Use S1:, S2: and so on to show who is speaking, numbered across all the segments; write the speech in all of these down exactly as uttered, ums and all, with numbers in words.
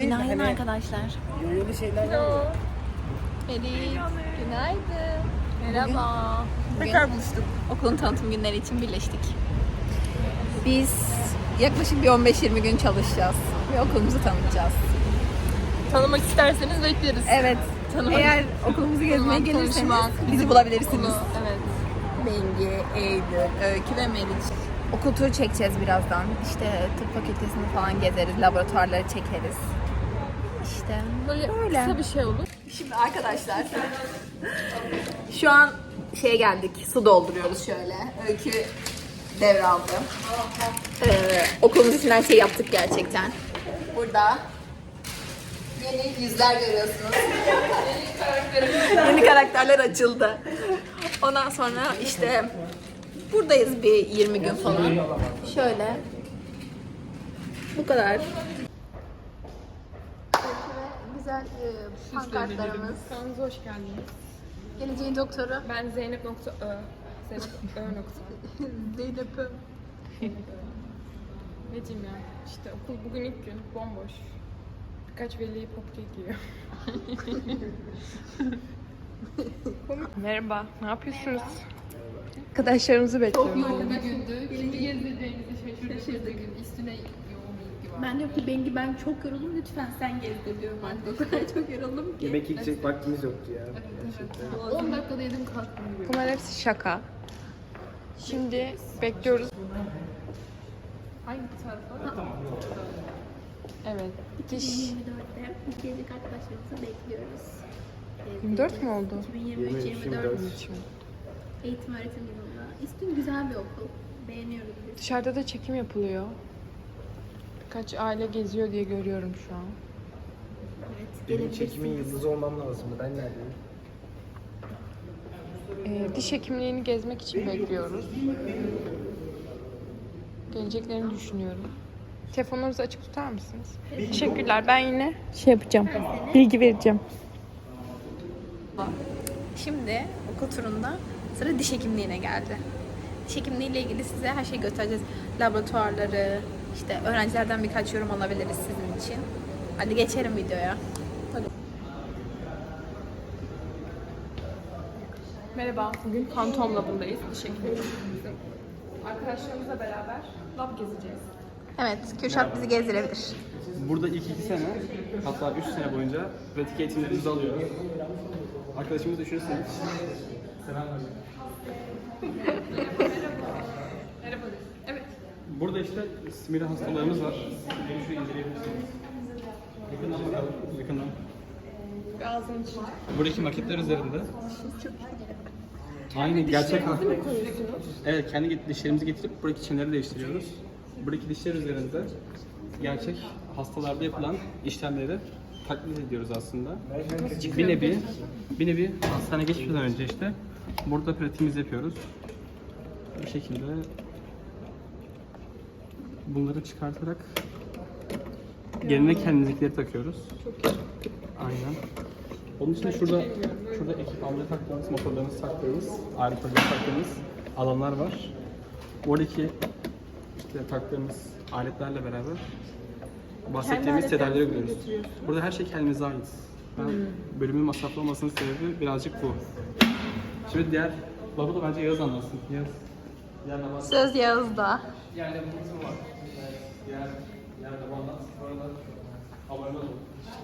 S1: Günaydın arkadaşlar.
S2: Yoyolu şeyler var.
S1: Elif, günaydın. Merhaba. Tekrar buluştuk. Okulun tanıtım günleri için birleştik. Biz yaklaşık bir on beş yirmi gün çalışacağız ve okulumuzu tanıtacağız.
S3: Tanımak isterseniz bekleriz.
S1: Evet.
S3: Tanımak.
S1: Eğer okulumuzu gezmeye
S3: Tanımak,
S1: gelirseniz
S3: konuşmak,
S1: bizi bulabilirsiniz.
S3: Okulu, evet.
S1: Bengi, Eylül, Öykü ve Meriç. Okul turu çekeceğiz birazdan. İşte tıp fakültesini falan gezeriz, laboratuvarları çekeriz. İşte
S3: Böyle
S1: öyle.
S3: kısa bir şey olur.
S1: Şimdi arkadaşlar şu an şeye geldik, su dolduruyoruz şöyle. Öykü devraldı. Ee, okulumuz için her şeyi yaptık gerçekten. Burada yeni yüzler görüyorsunuz. Yeni karakterler açıldı. Ondan sonra işte buradayız bir yirmi gün falan. Şöyle. Bu kadar. Güzel e, pankartlarımız.
S3: Kanalımıza hoş geldiniz.
S1: Geleceğin doktoru.
S3: Ben Zeynep nokta Ö. Zeynep Ö nokta.
S1: Zeynep'im.
S3: Ne diyeyim ya? İşte okul bugün ilk gün. Bomboş. Birkaç veli popkek yiyor. Merhaba. Ne yapıyorsunuz? Arkadaşlarımızı bekliyorum.
S4: Yoğun bir gündü. Kimi gezdireceğimizi şaşırdık. Üstüne yoğun ilgi var.
S5: Ben diyorum ki Bengi ben çok yoruldum lütfen sen gezdir diyorum artık. O kadar çok yoruldum ki.
S2: Yemek yiyecek vaktimiz yoktu ya. Gerçekten.
S4: on dakikada yedim kalktım gibi.
S3: Bunlar hepsi şaka. Şimdi bekliyoruz. Hangi tarafa? Evet. Diş.
S5: iki bin yirmi dörtte gelecek arkadaşlarımızı bekliyoruz.
S3: yirmi dört mü oldu?
S5: iki bin yirmi üç yirmi
S2: yirmi
S5: dört
S2: dört.
S5: eğitim öğretim yılında. İstim güzel bir okul. Beğeniyoruz biz.
S3: Dışarıda da çekim yapılıyor. Birkaç aile geziyor diye görüyorum şu an.
S5: Evet,
S2: Benim
S5: gelebilirsiniz.
S2: çekimin yıldızı olmam lazımdı. Ben neredeyim?
S3: Ee, diş hekimliğini gezmek için bekliyoruz. Geleceklerini düşünüyorum. Telefonlarınızı açık tutar mısınız? Teşekkürler. Ben yine şey yapacağım. Bilgi vereceğim.
S1: Şimdi okul turunda sıra diş hekimliğine geldi. Diş hekimliği ile ilgili size her şeyi göstereceğiz. Laboratuvarları, işte öğrencilerden birkaç yorum alabiliriz sizin için. Hadi geçelim videoya.
S3: Merhaba. Bugün Phantom Lab'ındayız. Diş hekimliğimizin. Arkadaşlarımızla beraber lab gezeceğiz.
S1: Evet, Kürşat bizi gezdirebilir.
S6: Burada ilk iki sene, hatta üç sene boyunca pratik eğitimlerimizi alıyoruz. Arkadaşımız düşünürseniz.
S3: Merhaba. Evet.
S6: Burada işte simili hastalarımız var. Gelin şurayı inceleyebilirsiniz. Yakından bakalım, yakından.
S3: Ağzın için.
S6: Buradaki maketler üzerinde. Aynı gerçek hasta. Evet, kendi dişlerimizi getirip buradaki çeneleri değiştiriyoruz. Buradaki dişler üzerinde gerçek hastalarda yapılan işlemleri taklit ediyoruz aslında. Bir nevi, bir nevi hastaneye geçmeden önce işte burada pratiğimizi yapıyoruz. Bu şekilde bunları çıkartarak yerine kendimizdekileri takıyoruz. Aynen. Onun için şurada şurada ekipmanları taktığımız, motorlarımızı taktığımız, aletleri taktığımız alanlar var. Oradaki işte taktığımız aletlerle beraber bahsettiğimiz tedavileri görüyoruz. Burada her şey kendimize ait. Ben bölümün masraflı olmasının sebebi birazcık bu. Şimdi diğer labı da bence Yağız anlatsın. Yağız. Diğer labı anlatsın.
S1: Söz Yağız'da.
S6: Yani bu kısım var. Evet, diğer, diğer labı anlat. Bu arada abone olun.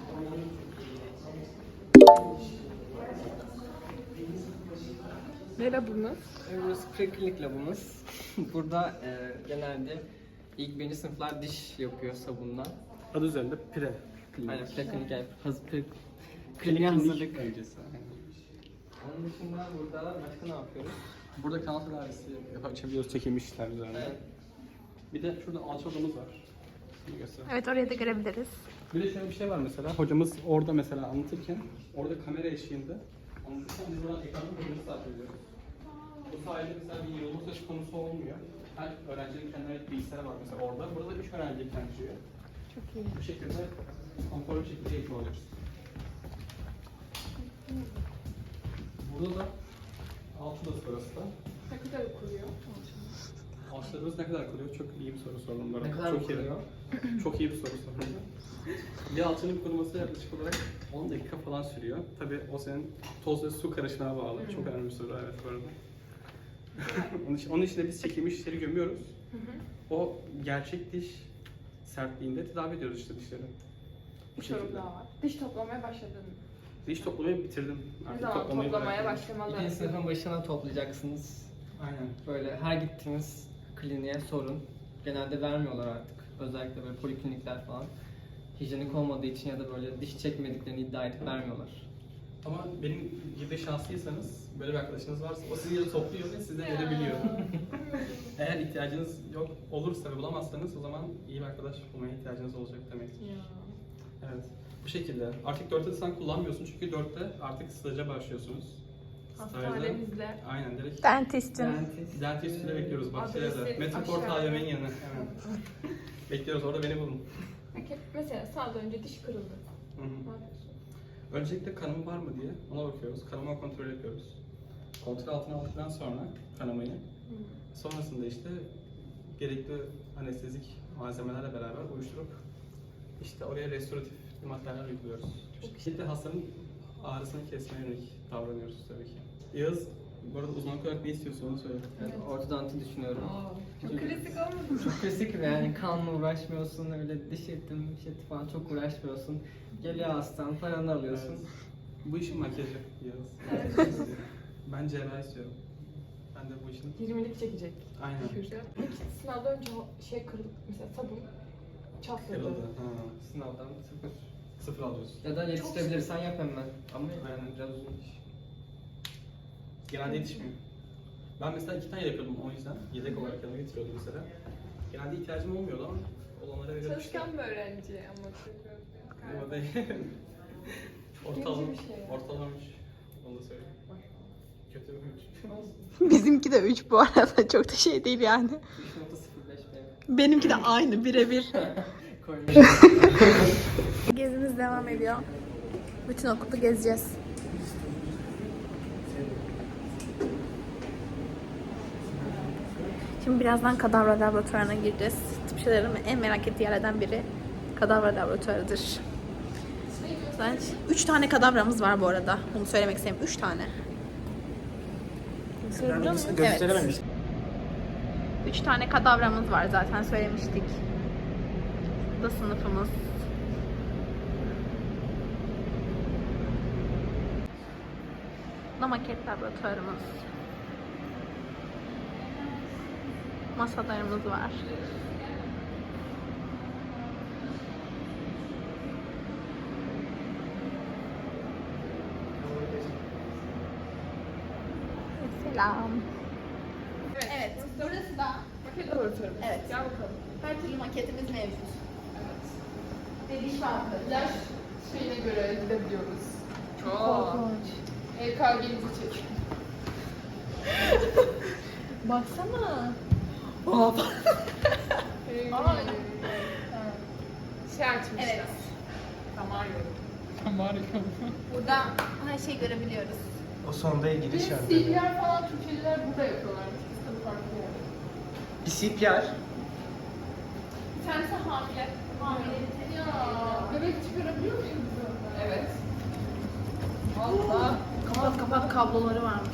S3: Ne labımız?
S7: Burası preklinik labımız. Burada e, genelde ilk birinci sınıflar diş yapıyor sabunla.
S6: Adı üzerinde pre.
S7: Aynen preklinik yani hazır pre,
S6: Klinik
S7: hazırlık.
S6: öncesi.
S7: Onun dışında burada başka ne yapıyoruz?
S6: Burada kanal tedavisi yapabiliyoruz çekilmiş işler üzerinde.
S7: Evet.
S6: Bir de şurada alçı odamız var. Şimdi göster.
S1: Evet, oraya da görebiliriz.
S6: Bir de şöyle bir şey var mesela. Hocamız orada mesela anlatırken, orada kamera eşliğinde anlatırken biz buradan ekrandan hocamızı takip ediyoruz. Bu sayede mesela bir yığılma söz konusu olmuyor. Her öğrencinin kendine ait bilgisayarı var mesela orada. Burada üç öğrenci ekranlıyor.
S3: Çok iyi.
S6: Bu şekilde konforlu bir şekilde eğitim alıyoruz. Burada da altı odası burası da.
S3: Ne kadar okuyor?
S6: Ağaçlarımız ne kadar kuruyor? Çok iyi bir soru sordum bu arada.
S7: Ne kadar
S6: Çok iyi.
S7: kuruyor?
S6: Çok iyi bir soru sordum. Bir alçının kuruması yaklaşık olarak on dakika falan sürüyor. Tabii o senin toz ve su karışımına bağlı. Çok önemli bir soru evet bu arada. onun, için, onun için de biz çekilmiş dişleri gömüyoruz. O gerçek diş sertliğinde tedavi ediyoruz işte dişleri. Bu
S3: Bir sorum
S6: şekilde.
S3: daha var. Diş toplamaya başladın mı?
S6: Diş toplamayı bitirdim.
S3: Ne
S6: Artık
S3: zaman
S6: toplamayı
S3: toplamaya
S6: bıraktım.
S3: başlamalı?
S7: İkinci sınıfın başına toplayacaksınız.
S6: Aynen.
S7: Böyle her gittiğiniz kliniğe sorun. Genelde vermiyorlar artık. Özellikle böyle poliklinikler falan. Hijyenik olmadığı için ya da böyle diş çekmediklerini iddia edip vermiyorlar.
S6: Ama benim gibi şanslıysanız, böyle bir arkadaşınız varsa o sizi yeri topluyor ve sizden edebiliyor. Eğer ihtiyacınız yok olursa ve bulamazsanız o zaman iyi bir arkadaş bulmaya ihtiyacınız olacak demektir. Evet. Bu şekilde. Artık dörtte sen kullanmıyorsun çünkü dörtte artık staja başlıyorsunuz. Stajda-
S3: Hastanemizde.
S6: Aynen direkt.
S1: Dentistim.
S7: Dentist.
S6: Dentist üstünde bekliyoruz Bahçeliev'de.
S3: Adresi
S6: Metroport
S3: aşağıda.
S6: A V M'nin yanı. Hemen. Bekliyoruz orada beni bulun.
S3: Peki mesela sağda önce diş kırıldı.
S6: Hı hı.
S3: Ne yapıyorsun?
S6: Öncelikle kanama var mı diye ona bakıyoruz. Kanama kontrol yapıyoruz. Kontrol altına aldıktan sonra kanamayı, sonrasında işte gerekli anestezik malzemelerle beraber uyuşturup işte oraya restoratif maddeler uyguluyoruz. Şimdi hastanın ağrısını kesmeye yönelik davranıyoruz tabii ki. Yağız, bu arada uzmanlık olarak ne istiyorsun onu söyle.
S7: Yani ortodonti düşünüyorum.
S3: Çok klasik olmadı mı?
S7: Çok klasik yani kanla uğraşmıyorsun, öyle diş etim, diş eti falan çok uğraşmıyorsun. Geliyor hastan, paranı alıyorsun.
S6: Evet. Bu işin makyajı Yağız. Ben cerrahi istiyorum. Ben de bu işin...
S3: yirmilik çekecek.
S6: Aynen.
S3: Peki sınavda önce o şey kırıldı. Mesela sabun çatladı.
S6: Kırıldı. Ha.
S7: Sınavdan sıfır.
S6: Sıfır alıyorsun.
S7: Ya da yetiştirebilirsen yap hemen. Ama yani biraz uzun iş.
S6: Genelde yetişmiyor. Ben mesela iki tane yapıyordum o yüzden. Yedek olarak yanına getiriyordum mesela. Genelde ihtiyacım olmuyordu ama olanlara veriyorum işte.
S3: Çalışkan bir öğrenci ama seviyorum.
S6: Ama değil. Ortalama,
S3: bir şey ya.
S6: ortalama üç. Onu da söyleyeyim. Kötü bir üç.
S1: Bizimki de üç bu arada. Çok da şey değil yani.
S7: üç nokta sıfır beş benim.
S1: Benimki de aynı birebir.
S7: Koymuş.
S1: Gezimiz devam ediyor. Bütün okulu gezeceğiz. Şimdi birazdan kadavra laboratuvarına gireceğiz. Tıpçıların en merak ettiği yerlerden biri kadavra laboratuvarıdır. Zaten üç tane kadavramız var bu arada. Bunu söylemek istedim. Üç tane. Evet.
S2: Gösterememiştim.
S1: Üç tane kadavramız var zaten söylemiştik. Bu da sınıfımız. Bu da maket laboratuvarımız. Masalarımız var. Selam. Evet, burası da
S3: Maket laboratuvarı.
S1: Evet.
S3: Gel bakalım.
S1: her türlü maketimiz mevcut. Dediğim vardı.
S3: Yaş şeyine göre gidebiliyoruz.
S1: Korkunç.
S3: E K G'mizi çek.
S1: Baksana.
S3: Aa. Şey açmışlar.
S1: Evet.
S3: Damar yolu. Damar yolu.
S1: Burada her şeyi görebiliyoruz.
S2: O sonda
S3: Bir
S2: ilgili şarkı.
S3: C P R falan Türkiye'liler burada yapıyorlarmış. Biz tabii farklı yani.
S2: Bir C P R.
S1: Bir tanesi hamile. Hamile.
S3: Ya bebek çıkarabiliyor muyuz biz ondan? Evet. Allah.
S1: Kapat kapat kabloları varmış.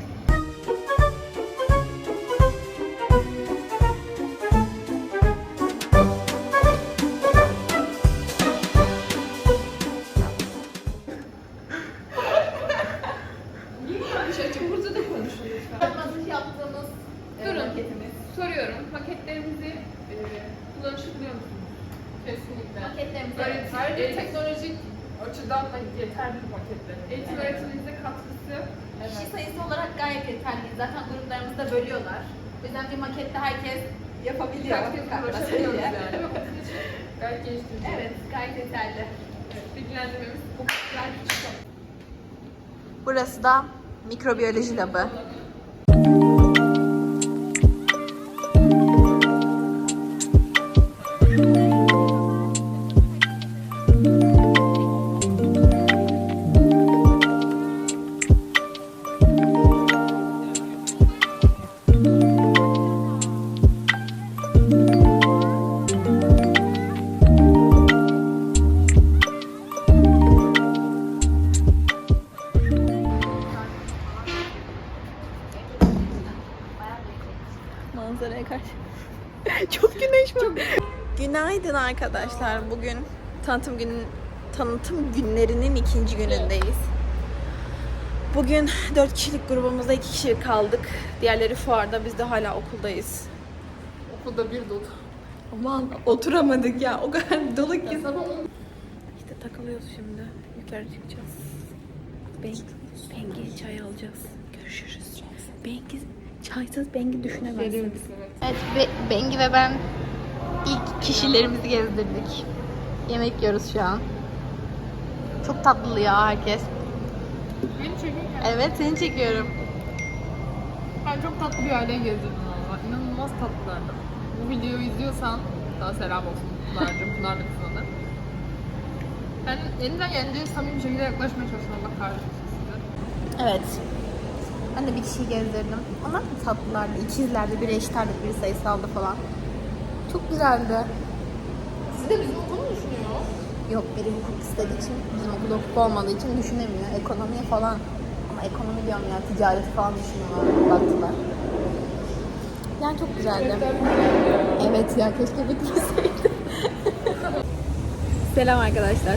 S3: Burada da konuşuyor lütfen.
S1: Masaj yaptığımız e,
S3: Durun.
S1: maketimiz.
S3: Soruyorum. Maketlerimizi e, kullanışabiliyor musunuz? Kesinlikle.
S1: Maketlerimiz
S3: Evet,
S1: evet.
S3: ayrıca teknolojik açıdan da yeterli maketler. Eğitim öğretimimize katkısı.
S1: Kişi sayısı olarak gayet yeterli. Zaten gruplarımızı da bölüyorlar. O yüzden bir makette herkes yapabiliyor.
S3: Herkes ulaşabiliyoruz yani. Değil mi? Bizim için gayet geliştirici.
S1: Evet, gayet yeterli.
S3: Evet, bilgilendirmemiz bu kadar küçük.
S1: Burası da mikrobiyoloji labı. Çok güneş var. Günaydın arkadaşlar. Bugün tanıtım günün tanıtım günlerinin ikinci günündeyiz. Bugün dört kişilik grubumuzda iki kişi kaldık. Diğerleri fuarda. Biz de hala okuldayız.
S4: Okulda bir dolu.
S1: Aman oturamadık ya. O kadar dolu ki.
S4: Sabah
S1: İşte takılıyoruz şimdi. Yukarı çıkacağız. Ben, Bengi çay alacağız. Görüşürüz. Bengi çaysız Bengi düşünemezsiniz. Evet, Be- Bengi ve ben ilk kişilerimizi gezdirdik. Yemek yiyoruz şu an. Çok tatlı ya herkes.
S4: beni çekin.
S1: Evet, seni çekiyorum.
S4: Ben çok tatlı bir aileye gezdirdim valla. İnanılmaz tatlılardı. Bu videoyu izliyorsan daha selam olsun Pınar'cığım, Pınar da kızına da. Ben elimden geldiğince samimi bir şekilde yaklaşmaya çalıştım. Allah kahretsin sizi.
S1: Evet. Ben de bir kişiyi gezdirdim. Onlar da tatlılardı. İkizlerdi. Biri eşitlerdi, biri sayısaldı falan. Çok güzeldi.
S4: Siz de bizim okulu mu düşünüyor?
S1: Yok, biri hukuk istediği için, bizim okulda hukuk olmadığı için düşünemiyor. Ekonomiye falan. Ama ekonomi diyorum ya, ticareti falan düşünüyorlar. Baktılar. Yani çok güzeldi. Evet ya, keşke bitmeseydi. Selam arkadaşlar.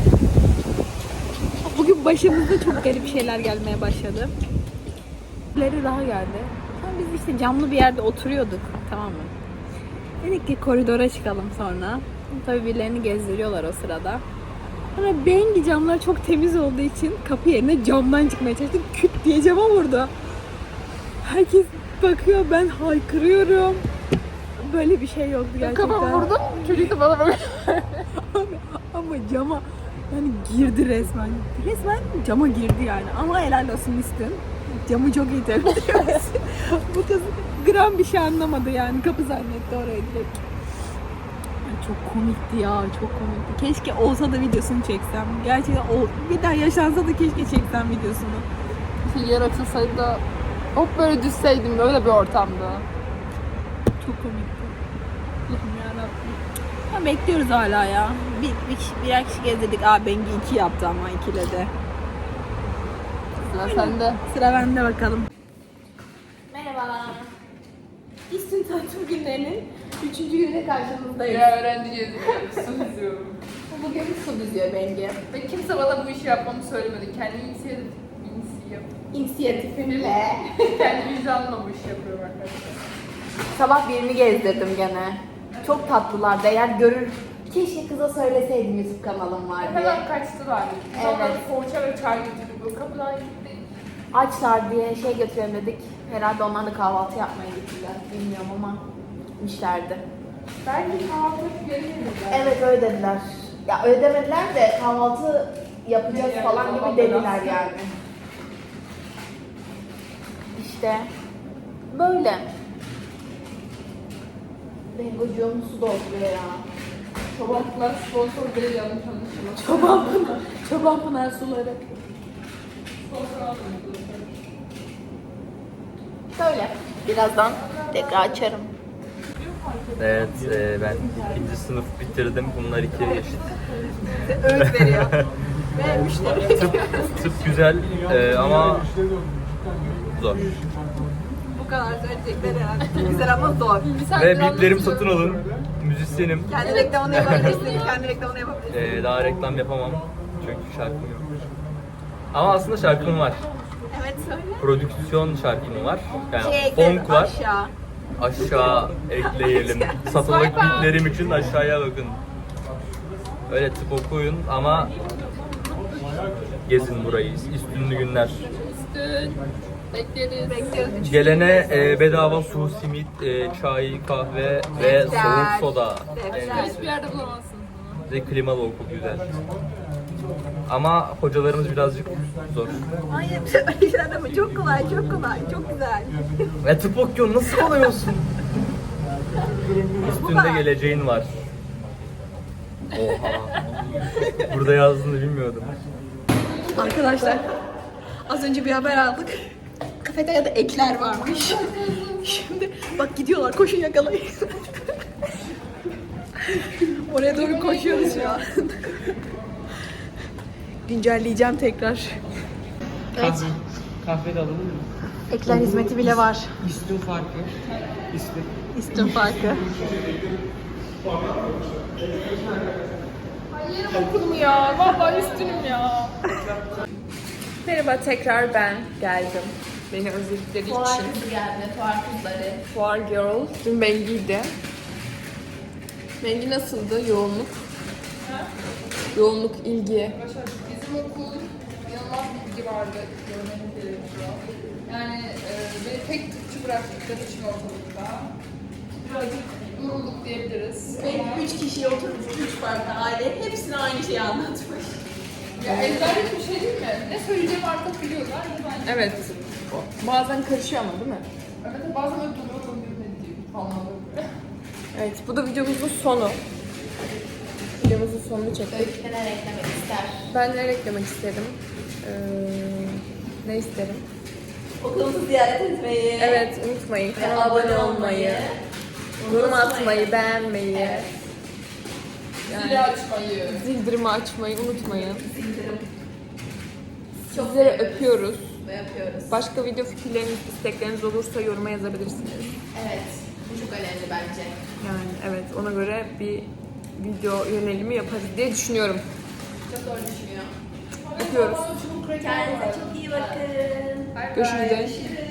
S1: Bugün başımızda çok garip şeyler gelmeye başladı. Birileri daha geldi. Sonra biz işte camlı bir yerde oturuyorduk, tamam mı? Dedik ki koridora çıkalım sonra. Tabii birilerini gezdiriyorlar o sırada. Sonra Bengi camlar çok temiz olduğu için kapı yerine camdan çıkmaya çalıştı. Küt diye cama vurdu. Herkes bakıyor, ben haykırıyorum. Böyle bir şey yoktu gerçekten.
S4: Kafamı vurdum, çocuk da bana böyle.
S1: Ama, ama cama yani girdi resmen. Resmen cama girdi yani. Ama helal olsun Müslüm. Camı çok iyi temizliyor. Bu kız gram bir şey anlamadı yani. Kapı zannetti oraya direkt. Yani çok komikti ya, çok komikti. Keşke olsa da videosunu çeksem. Gerçekten o, bir daha yaşansa da keşke çeksem videosunu.
S4: Şey, yer açılsaydı da hop böyle düşseydim böyle bir ortamda.
S1: Çok komikti. Allah'ım yarabbim. Ya bekliyoruz hala ya. Bir, bir kişi, birer kişi gezdirdik. Aa Bengi iki yaptı ama ikiledi.
S4: Sıra sende.
S1: Sıra bende bakalım. Merhaba. İstin tanıtım günlerinin üçüncü gününe karşınızdayız.
S4: Ya öğrenci geziyorum, su diziyorum.
S1: Bugün su diziyor Bengi.
S4: Ve kimse bana bu işi yapmamı söylemedi. Kendi inisiyatif, inisiyatif,
S1: İnisiyatifimle.
S4: kendi vicdanımla bu işi yapıyorum arkadaşlar.
S1: Sabah birini gezdirdim gene. Çok tatlılardı. Eğer görür... Keşke kıza söyleseydim YouTube kanalım var diye.
S4: Hemen kaçtılar. Biz
S1: Evet.
S4: onlara poğaça ve çay getirdik. Böyle kapıdan gitti.
S1: Açlar diye şey götürelim dedik. Herhalde onlar da kahvaltı yapmaya gittiler. Bilmiyorum ama gitmişlerdi.
S4: Belki kahvaltı geri gelirler.
S1: Evet öyle dediler. Ya öyle demediler de kahvaltı yapacağız
S4: Yani
S1: falan gibi
S4: kahvaltı
S1: dediler
S4: nasıl?
S1: yani. İşte böyle. Bengocuğum su dolduruyor ya.
S4: Çobanlar sponsor değil, yanlış anlaşılmaz.
S1: Çoban Pınar, Çoban Pınar suları.
S4: Sponsor almıyoruz.
S1: Böyle. Birazdan tekrar açarım.
S8: Evet, e, ben ikinci sınıf bitirdim. Bunlar iki eşit.
S1: Öğüt veriyor. Ve müşteri.
S8: Tıp, tıp güzel e, ama zor.
S1: Bu kadar söyleyecekler herhalde. Güzel ama zor.
S8: Ve biplerimi satın alın. Müzisyenim.
S1: Kendi reklamını yapabilirsin. Kendi reklamını yapabilirsin.
S8: E, daha reklam yapamam. Çünkü şarkım yok. Ama aslında şarkım var.
S1: Evet söyle.
S8: Prodüksiyon şarkım var. Yani
S1: Şey ekledim
S8: funk var.
S1: aşağı.
S8: Aşağı ekleyelim. Satılık biplerim için aşağıya bakın. Öyle tıp okuyun ama gezin burayı. İstünlü günler.
S4: Üstün. Bekleriz.
S1: Bekliyoruz.
S8: Gelene e, bedava su, simit, e, çay, kahve ve
S1: Defter.
S8: soğuk soda.
S1: Defter.
S4: Hiçbir yerde bulamazsınız bunu.
S8: Ve klimalı okul güzel. Ama hocalarımız birazcık zor.
S1: Hayır öyle şeyler deme. Çok kolay, çok kolay, çok güzel.
S8: Ve tıp okuyorsun, nasıl kolay olsun? Üstünde geleceğin var. Oha. Burada yazdığını bilmiyordum.
S1: Arkadaşlar az önce bir haber aldık. Kafeteryada ekler varmış. Şimdi bak gidiyorlar, koşun yakalayın. Oraya doğru koşuyoruz şu an. Güncelleyeceğim tekrar. Evet.
S7: Kahve de alalım mı?
S1: Ekler hizmeti bile var.
S7: İstin farkı. İstin.
S3: İstim farkı.
S4: Hayır okulum ya. Vallahi üstünüm ya.
S3: Merhaba, tekrar ben geldim. Beni özledikleri
S1: Fuar
S3: için.
S1: kızı geldi, fuar kızları.
S3: Fuar Girl. Dün Bengi'ydi. Bengi nasıldı? Yoğunluk. Yoğunluk, ilgi.
S4: Bizim okul inanılmaz bilgi vardı. Görmeniz gerekiyor. Yani e, beni tek Türkçü bıraktıkları için ortalıkta. Birazcık yorulduk diyebiliriz.
S1: Benim üç kişiye oturmuş, üç farklı aile. Hepsine aynı şeyi anlatmış.
S4: Ya ezberlik bir şey değil mi? Ne söyleyeceğimi artık biliyorlar. Ben...
S3: Evet. Bazen karışıyor ama değil mi?
S4: Evet, bazen öyle duruyorum ne diyeyim falan böyle.
S3: Evet, bu da videomuzun sonu. Videomuzun sonunu çektik.
S1: Öykü neler eklemek ister?
S3: Ben neler eklemek isterim? Ee, ne isterim?
S1: Okulumuzu ziyaret etmeyi.
S3: Evet, unutmayın. Kanala abone olmayı, yorum atmayı, beğenmeyi,
S4: Zili açmayı.
S3: zildirimi açmayı unutmayın.
S1: Bildirim.
S3: Sizleri öpüyoruz.
S1: Ve yapıyoruz.
S3: Başka video fikirleriniz, istekleriniz olursa yoruma yazabilirsiniz.
S1: Evet. Bu çok önemli bence.
S3: Yani evet, ona göre bir video yönelimi yaparız diye düşünüyorum.
S1: Çok doğru düşünüyor.
S3: Öpüyoruz.
S1: Kendinize çok iyi bakın.
S3: Görüşürüz.
S1: Görüşürüz.